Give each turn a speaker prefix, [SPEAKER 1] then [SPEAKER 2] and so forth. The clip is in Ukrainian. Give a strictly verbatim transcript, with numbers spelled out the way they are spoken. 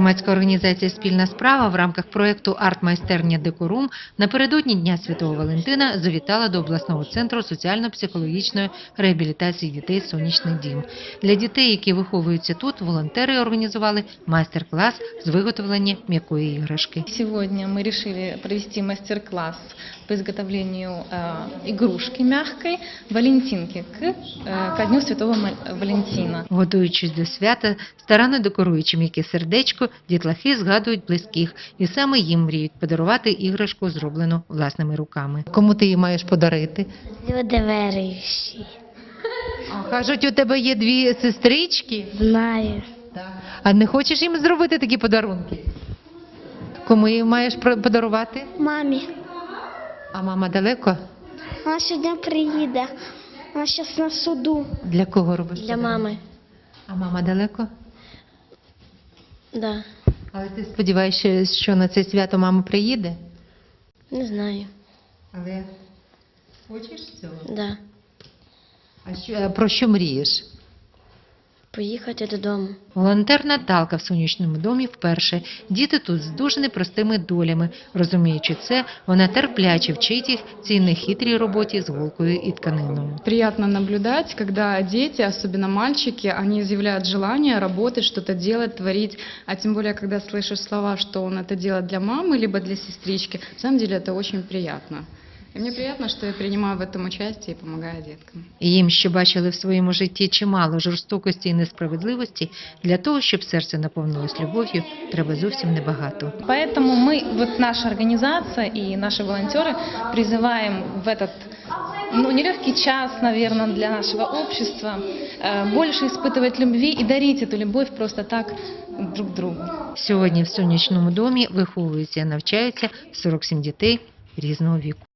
[SPEAKER 1] Громадська організація «Спільна справа» в рамках проєкту «Арт-майстерня Декорум» напередодні Дня Святого Валентина завітала до обласного центру соціально-психологічної реабілітації дітей «Сонячний дім». Для дітей, які виховуються тут, волонтери організували майстер-клас з виготовлення м'якої іграшки.
[SPEAKER 2] Сегодня мы решили провести мастер-класс по изготовлению э, игрушки мягкой Валентинки к, э, ко Дню Святого Валентина.
[SPEAKER 1] Готуючись до свята, старанно декоруючи м'яке сердечко, дітлахи згадують близьких і саме їм мріють подарувати іграшку, зроблену власними руками. Кому ти її маєш подарити?
[SPEAKER 3] Люди віруючі.
[SPEAKER 1] А, кажуть, у тебе є дві сестрички?
[SPEAKER 3] Знаю.
[SPEAKER 1] А не хочеш їм зробити такі подарунки? Кому її маєш про- подарувати?
[SPEAKER 3] Мамі.
[SPEAKER 1] А мама далеко?
[SPEAKER 3] Вона сьогодні приїде. Вона зараз на суду.
[SPEAKER 1] Для кого робиш?
[SPEAKER 3] Для
[SPEAKER 1] подарунок?
[SPEAKER 3] мами.
[SPEAKER 1] А мама далеко?
[SPEAKER 3] Да.
[SPEAKER 1] Але ти сподіваєшся, що на це свято мама приїде?
[SPEAKER 3] Не знаю.
[SPEAKER 1] Але хочеш цього?
[SPEAKER 3] Да.
[SPEAKER 1] А що, а про що мрієш?
[SPEAKER 3] Поїхати додому.
[SPEAKER 1] Волонтер Наталка в сонячному домі вперше. Діти тут з дуже непростими долями. Розуміючи це, вона терпляче вчить їх цій нехитрій роботі з голкою і тканиною.
[SPEAKER 4] Приятно наблюдать, когда дети, особенно мальчики, они изъявляют желание работать, что-то делать, творить. А тем более, когда слышишь слова, что он это делает для мамы, либо для сестрички, на самом деле это очень приятно. И мне приятно, что я принимаю в этом участие и помогаю деткам.
[SPEAKER 1] І їм, що бачили в своєму житті чимало жорстокості і несправедливості, для того, щоб серце наповнилось любов'ю, треба зовсім небагато.
[SPEAKER 2] Поэтому мы, вот наша организация и наши волонтеры призываем в этот ну, нелегкий час, наверное, для нашего общества э, больше испытывать любви и дарить эту любовь просто так друг другу.
[SPEAKER 1] Сьогодні в сонячному домі виховуються і навчаються сорок сім дітей різного віку.